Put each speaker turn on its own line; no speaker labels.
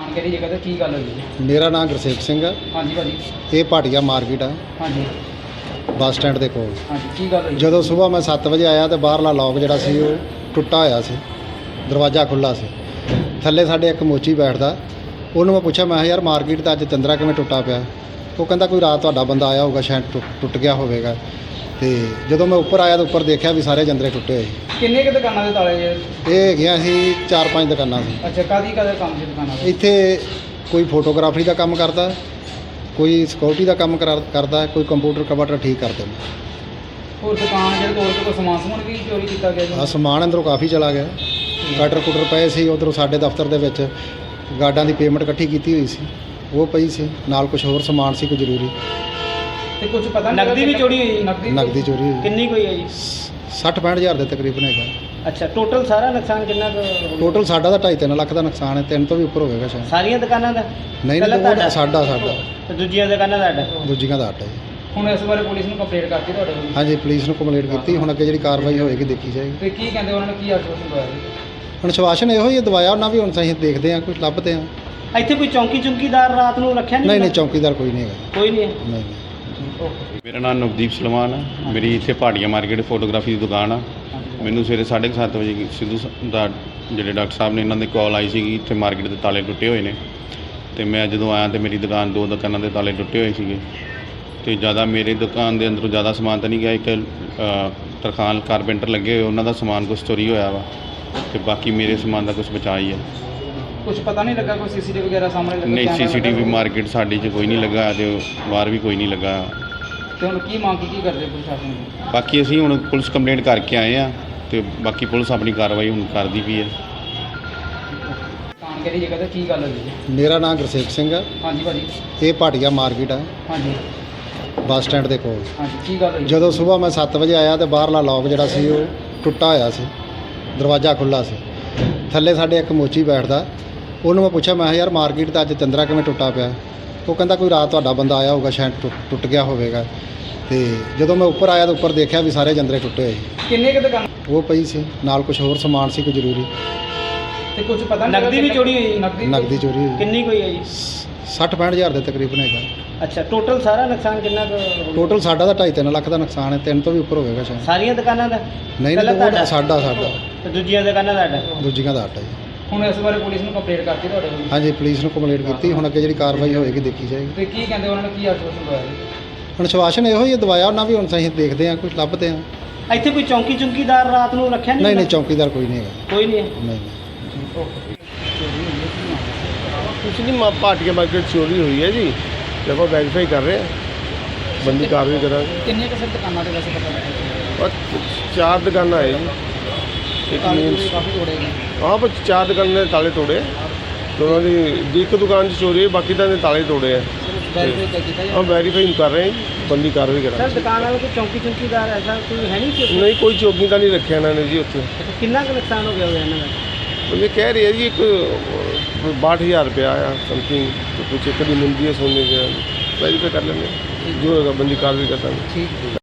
ਕਿਹੜੀ ਜਗ੍ਹਾ ਤੇ ਕੀ ਗੱਲ ਹੋਈ ਜੀ?
ਮੇਰਾ ਨਾਮ ਗੁਰਸੇਵਕ ਸਿੰਘ ਹੈ।
ਹਾਂਜੀ ਭਾਜੀ।
ਇਹ ਭਾਟੀਆ ਮਾਰਕੀਟ ਆ
ਹਾਂਜੀ
ਬੱਸ ਸਟੈਂਡ ਦੇ ਕੋਲ।
ਹਾਂਜੀ ਕੀ ਗੱਲ ਹੋਈ?
ਜਦੋਂ ਸਵੇਰ ਮੈਂ 7 ਵਜੇ ਆਇਆ ਤੇ ਬਾਹਰਲਾ ਲੌਕ ਜਿਹੜਾ ਸੀ ਉਹ ਟੁੱਟਾ ਹੋਇਆ ਸੀ, ਦਰਵਾਜ਼ਾ ਖੁੱਲ੍ਹਾ ਸੀ। ਥੱਲੇ ਸਾਡੇ ਇੱਕ ਮੋਚੀ ਬੈਠਦਾ, ਉਹਨੂੰ ਮੈਂ ਪੁੱਛਿਆ, ਮੈਂ ਕਿਹਾ ਯਾਰ ਮਾਰਕੀਟ ਦਾ ਅੱਜ ਚੰਦਰਾ ਕਿਵੇਂ ਟੁੱਟਾ ਪਿਆ? ਉਹ ਕਹਿੰਦਾ ਕੋਈ ਰਾਤ ਤੁਹਾਡਾ ਬੰਦਾ ਆਇਆ ਹੋਊਗਾ, ਸ਼ਾਇਦ ਟੁੱਟ ਗਿਆ ਹੋਵੇਗਾ। ਤੇ ਜਦੋਂ ਮੈਂ ਉੱਪਰ ਆਇਆ ਤਾਂ ਉੱਪਰ ਦੇਖਿਆ ਵੀ ਸਾਰੇ ਜੰਦਰੇ ਟੁੱਟੇ ਹੋਏ।
ਕਿੰਨੇ ਕੁ ਦੁਕਾਨਾਂ ਦੇ ਤਾਲੇ ਜੇ?
ਇਹ ਹੈਗੀਆਂ ਸੀ 4-5 ਦੁਕਾਨਾਂ ਸੀ।
ਅੱਛਾ ਕਾਹਦੀ ਕੰਮ ਸੀ ਦੁਕਾਨਾਂ ਦਾ?
ਇੱਥੇ ਕੋਈ ਫੋਟੋਗ੍ਰਾਫਰੀ ਦਾ ਕੰਮ ਕਰਦਾ, ਕੋਈ ਸਿਕਿਉਰਿਟੀ ਦਾ ਕੰਮ ਕਰਦਾ, ਕੋਈ ਕੰਪਿਊਟਰ ਕਵਰ ਠੀਕ ਕਰਦੇ ਨੇ।
ਹੋਰ ਦੁਕਾਨ ਜਿਹੜੇ ਤੋੜ ਕੇ ਕੋਈ ਸਮਾਨ ਵੀ ਚੋਰੀ ਕੀਤਾ ਗਿਆ ਜੀ?
ਆ ਸਮਾਨ ਅੰਦਰੋਂ ਕਾਫੀ ਚਲਾ ਗਿਆ। ਕਟਰ ਪਏ ਸੀ ਉੱਧਰੋਂ ਸਾਡੇ ਦਫ਼ਤਰ ਦੇ ਵਿੱਚ। ਗਾਰਡਾਂ ਦੀ ਪੇਮੈਂਟ ਇਕੱਠੀ ਕੀਤੀ ਹੋਈ ਸੀ, ਉਹ ਪਈ ਸੀ ਨਾਲ। ਕੁਝ ਹੋਰ ਸਮਾਨ ਸੀ ਕੋਈ ਜ਼ਰੂਰੀ।
ਤੇ ਕੁਝ ਪਤਾ ਨਹੀਂ ਨਕਦੀ ਵੀ ਚੋਰੀ ਹੋਈ?
ਨਕਦੀ ਚੋਰੀ ਹੋਈ।
ਕਿੰਨੀ ਕੋਈ ਹੈ ਜੀ?
60-65 ਹਜ਼ਾਰ ਦੇ ਤਕਰੀਬਨ ਹੈਗਾ।
ਅੱਛਾ ਟੋਟਲ ਸਾਰਾ ਨੁਕਸਾਨ ਕਿੰਨਾ?
ਟੋਟਲ ਸਾਡਾ ਤਾਂ 2.5-3 ਲੱਖ ਦਾ ਨੁਕਸਾਨ ਹੈ। 3 ਤੋਂ ਵੀ ਉੱਪਰ ਹੋਵੇਗਾ ਸ਼ਾਇਦ।
ਸਾਰੀਆਂ ਦੁਕਾਨਾਂ ਦਾ?
ਨਹੀਂ ਨਹੀਂ, ਸਾਡਾ
ਤੇ ਦੂਜੀਆਂ ਦੁਕਾਨਾਂ ਦਾ ਅੱਡ?
ਦੂਜੀਆਂ ਦਾ ਅੱਡ ਹੈ ਜੀ।
ਹੁਣ ਇਸ ਬਾਰੇ ਪੁਲਿਸ ਨੂੰ ਕੰਪਲੇਂਟ ਕਰਤੀ ਤੁਹਾਡੇ ਕੋਲ?
ਹਾਂਜੀ ਪੁਲਿਸ ਨੂੰ ਕੰਪਲੇਂਟ ਕੀਤੀ। ਹੁਣ ਅੱਗੇ ਜਿਹੜੀ ਕਾਰਵਾਈ ਹੋਏਗੀ ਦੇਖੀ ਜਾਏਗੀ।
ਤੇ ਕੀ ਕਹਿੰਦੇ ਉਹਨਾਂ ਨੇ, ਕੀ ਆਸ਼ਵਾਸਨ ਦਵਾਇਆ ਜੀ?
ਹੁਣ ਸ਼ਵਾਸ਼ਨ ਇਹੋ ਹੀ ਦਵਾਇਆ ਉਹਨਾਂ ਵੀ। ਹੁਣ ਅਸੀਂ ਦੇਖਦੇ ਹਾਂ, ਕੁਝ ਲੱਭਦੇ ਹਾਂ।
ਇੱਥੇ ਕੋਈ ਚੌਂਕੀਦਾਰ ਰਾਤ ਨੂੰ ਰੱਖਿਆ
ਨਹੀਂ ਨਹੀਂ, ਚੌਕੀਦਾਰ ਕੋਈ ਨਹੀਂ ਹੈਗਾ।
ਕੋਈ ਨਹੀਂ ਹੈ?
ਨਹੀਂ।
ਮੇਰਾ ਨਾਮ ਨਵਦੀਪ ਸਲਮਾਨ ਹੈ। ਮੇਰੀ ਇੱਥੇ ਭਾਟੀਆ ਮਾਰਕੀਟ ਫੋਟੋਗ੍ਰਾਫੀ ਦੀ ਦੁਕਾਨ ਆ। ਮੈਨੂੰ ਸਵੇਰੇ 7:30 ਵਜੇ ਸਿੱਧੂ ਦਾ ਜਿਹੜੇ ਡਾਕਟਰ ਸਾਹਿਬ ਨੇ, ਇਹਨਾਂ ਦੀ ਕਾਲ ਆਈ ਸੀਗੀ ਇੱਥੇ ਮਾਰਕੀਟ ਦੇ ਤਾਲੇ ਟੁੱਟੇ ਹੋਏ ਨੇ। ਅਤੇ ਮੈਂ ਜਦੋਂ ਆਇਆ ਤਾਂ ਮੇਰੀ ਦੁਕਾਨ 2 ਦੁਕਾਨਾਂ ਦੇ ਤਾਲੇ ਟੁੱਟੇ ਹੋਏ ਸੀਗੇ। ਅਤੇ ਜ਼ਿਆਦਾ ਮੇਰੀ ਦੁਕਾਨ ਦੇ ਅੰਦਰੋਂ ਜ਼ਿਆਦਾ ਸਮਾਨ ਤਾਂ ਨਹੀਂ ਗਿਆ। ਇੱਕ ਤਰਖਾਨ ਕਾਰਪੈਂਟਰ ਲੱਗੇ ਹੋਏ, ਉਹਨਾਂ ਦਾ ਸਮਾਨ ਕੁਛ ਚੋਰੀ ਹੋਇਆ ਵਾ। ਅਤੇ ਬਾਕੀ ਮੇਰੇ ਸਮਾਨ ਦਾ ਕੁਛ ਬਚਾ ਹੀ ਹੈ।
ਕੁਝ ਪਤਾ ਨਹੀਂ ਲੱਗਾ ਕੋਈ ਸੀਸੀਟੀਵੀ ਵਗੈਰਾ ਸਾਹਮਣੇ ਲੱਗਾ?
ਨਹੀਂ, ਸੀਸੀਟੀਵੀ ਮਾਰਕੀਟ ਸਾਡੀ 'ਚ ਕੋਈ ਨਹੀਂ ਲੱਗਾ ਅਤੇ ਬਾਹਰ ਵੀ ਕੋਈ ਨਹੀਂ ਲੱਗਾ।
ਤੇ ਹੁਣ ਕੀ ਮੰਗ ਕੀ ਕਰਦੇ ਪ੍ਰਸ਼ਾਸਨ ਨੂੰ?
ਬਾਕੀ ਅਸੀਂ ਹੁਣ ਪੁਲਿਸ ਕੰਪਲੇਂਟ ਕਰਕੇ ਆਏ ਆ ਅਤੇ ਬਾਕੀ ਪੁਲਿਸ ਆਪਣੀ ਕਾਰਵਾਈ ਹੁਣ ਕਰਦੀ ਪਈ ਹੈ।
ਕਿਹੜੀ ਜਗ੍ਹਾ ਤੇ ਕੀ ਗੱਲ ਹੋਈ ਜੀ?
ਮੇਰਾ ਨਾਮ ਗੁਰਸੇਵਕ ਸਿੰਘ ਹੈ।
ਹਾਂਜੀ ਭਾਜੀ।
ਇਹ ਭਾਟੀਆ ਮਾਰਕੀਟ ਆ
ਹਾਂਜੀ
ਬੱਸ ਸਟੈਂਡ ਦੇ ਕੋਲ।
ਹਾਂਜੀ ਕੀ ਗੱਲ ਹੋਈ?
ਜਦੋਂ ਸਵੇਰ ਮੈਂ 7 ਵਜੇ ਆਇਆ ਤਾਂ ਬਾਹਰਲਾ ਲੌਕ ਜਿਹੜਾ ਸੀ ਉਹ ਟੁੱਟਾ ਹੋਇਆ ਸੀ, ਦਰਵਾਜ਼ਾ ਖੁੱਲ੍ਹਾ ਸੀ। ਥੱਲੇ ਸਾਡੇ ਇੱਕ ਮੋਚੀ ਬੈਠਦਾ, ਉਹਨੂੰ ਮੈਂ ਪੁੱਛਿਆ, ਮੈਂ ਕਿਹਾ ਯਾਰ ਮਾਰਕੀਟ ਦਾ ਅੱਜ ਚੰਦਰਾ ਕਿਵੇਂ ਟੁੱਟਾ ਪਿਆ? ਉਹ ਕਹਿੰਦਾ ਕੋਈ ਰਾਤ ਤੁਹਾਡਾ ਬੰਦਾ ਆਇਆ ਹੋਊਗਾ, ਸ਼ਾਇਦ ਟੁੱਟ ਗਿਆ ਹੋਵੇਗਾ। ਤੇ ਜਦੋਂ ਮੈਂ ਉੱਪਰ ਆਇਆ ਤਾਂ ਉੱਪਰ ਦੇਖਿਆ ਵੀ ਸਾਰੇ ਜੰਦਰੇ ਟੁੱਟੇ ਹੋਏ।
ਕਿੰਨੇ ਕੁ ਦੁਕਾਨ?
ਉਹ ਪਈ ਸੀ ਨਾਲ। ਕੁਝ ਹੋਰ ਸਮਾਨ ਸੀ ਕੋਈ ਜ਼ਰੂਰੀ।
ਤੇ ਕੁਝ ਪਤਾ ਨਹੀਂ ਨਕਦੀ ਵੀ ਚੋਰੀ ਹੋਈ?
ਨਕਦੀ ਚੋਰੀ ਹੋਈ।
ਕਿੰਨੀ ਕੋਈ ਹੈ ਜੀ?
60-65 ਹਜ਼ਾਰ ਦੇ ਤਕਰੀਬਨ ਹੈਗਾ।
ਅੱਛਾ ਟੋਟਲ ਸਾਰਾ ਨੁਕਸਾਨ ਕਿੰਨਾ?
ਟੋਟਲ ਸਾਡਾ ਤਾਂ 2.5-3 ਲੱਖ ਦਾ ਨੁਕਸਾਨ ਹੈ। 3 ਤੋਂ ਵੀ ਉੱਪਰ ਹੋਵੇਗਾ ਸ਼ਾਇਦ।
ਸਾਰੀਆਂ ਦੁਕਾਨਾਂ ਦਾ?
ਨਹੀਂ ਨਹੀਂ, ਸਾਡਾ
ਤੇ ਦੂਜੀਆਂ ਦੁਕਾਨਾਂ ਦਾ ਅੱਡ?
ਦੂਜੀਆਂ ਦਾ ਅੱਡ ਹੈ ਜੀ।
ਹੁਣ ਇਸ ਬਾਰੇ ਪੁਲਿਸ ਨੂੰ ਕੰਪਲੇਂਟ ਕਰਤੀ ਤੁਹਾਡੇ ਕੋਲ?
ਹਾਂਜੀ ਪੁਲਿਸ ਨੂੰ ਕੰਪਲੇਂਟ ਕੀਤੀ। ਹੁਣ ਅੱਗੇ ਜਿਹੜੀ ਕਾਰਵਾਈ ਹੋਏਗੀ ਦੇਖੀ ਜਾਏਗੀ।
ਤੇ ਕੀ ਕਹਿੰਦੇ ਉਹਨਾਂ ਨੇ, ਕੀ ਆਸ਼ਵਾਸਨ ਦਵਾਇਆ ਜੀ?
ਹੁਣ ਸ਼ਵਾਸ਼ਨ ਇਹੋ ਹੀ ਦਵਾਇਆ ਉਹਨਾਂ ਵੀ। ਹੁਣ ਅਸੀਂ ਦੇਖਦੇ ਹਾਂ, ਕੁਝ ਲੱਭਦੇ ਹਾਂ।
ਇੱਥੇ ਕੋਈ ਚੌਂਕੀਦਾਰ ਰਾਤ ਨੂੰ ਰੱਖਿਆ
ਨਹੀਂ ਨਹੀਂ, ਚੌਕੀਦਾਰ ਕੋਈ ਨਹੀਂ ਹੈਗਾ।
ਕੋਈ ਨਹੀਂ ਹੈ?
ਨਹੀਂ।
ਕੁਛ ਨਹੀਂ, ਭਾਟੀਆ ਮਾਰਕੀਟ ਚੋਰੀ ਹੋਈ ਹੈ ਜੀ। ਤੇ ਆਪਾਂ ਵੈਰੀਫਾਈ ਕਰ ਰਹੇ ਹਾਂ, ਬੰਦੀ ਕਾਰਵਾਈ ਕਰਾਂਗੇ।
ਕਿੰਨੇ ਕੁ ਦੁਕਾਨਾਂ ਦੇ ਵੈਸੇ ਪਤਾ ਲੱਗਿਆ?
ਔਰ 4 ਦੁਕਾਨਾਂ ਹੈ ਜੀ। ਇੱਕ ਮੀਨਸ
ਕਾਫੀ ਤੋੜੇ ਗਏ।
ਹਾਂ, ਪਰ 4 ਦੁਕਾਨਾਂ ਦੇ ਤਾਲੇ ਤੋੜੇ। ਦੋਨਾਂ ਦੀ ਇੱਕ ਦੁਕਾਨ 'ਚ ਚੋਰੀ ਹੈ, ਬਾਕੀ ਤਾਂ ਦੇ ਤਾਲੇ ਤੋੜੇ ਆ।
ਵੈਰੀਫਾਈ ਕੀਤਾ ਜੀ?
ਹਾਂ ਵੈਰੀਫਾਈ ਕਰ ਰਹੇ ਹਾਂ ਜੀ, ਬੰਦੀ ਕਾਰਵਾਈ
ਸਰ
ਕਰਾਂਗੇ।
ਦੁਕਾਨ ਵਾਲੇ ਕੋਈ ਚੌਂਕੀਦਾਰ ਐਸਾ ਕੋਈ ਹੈ ਨਹੀਂ?
ਨਹੀਂ, ਕੋਈ ਚੌਕੀ ਤਾਂ ਨਹੀਂ ਰੱਖਿਆ ਇਹਨਾਂ ਨੇ ਜੀ ਉੱਥੇ।
ਕਿੰਨਾ ਕੁ ਨੁਕਸਾਨ ਹੋ ਗਿਆ ਹੋਇਆ ਇਹਨਾਂ ਦਾ?
ਉਹ ਇਹ ਕਹਿ ਰਹੇ ਆ ਜੀ ਇੱਕ 62,000 ਰੁਪਇਆ ਆਇਆ ਸਮਥਿੰਗ। ਕੁਛ ਇੱਕ ਦੀ ਮਿਲਦੀ ਹੈ ਸੋਨੇ ਦੀ। ਵੈਰੀਫਾਈ ਕਰ ਲੈਂਦੇ, ਜੋ ਹੋਏਗਾ ਬੰਦੀ ਕਾਰਵਾਈ ਕਰਾਂਗੇ।
ਠੀਕ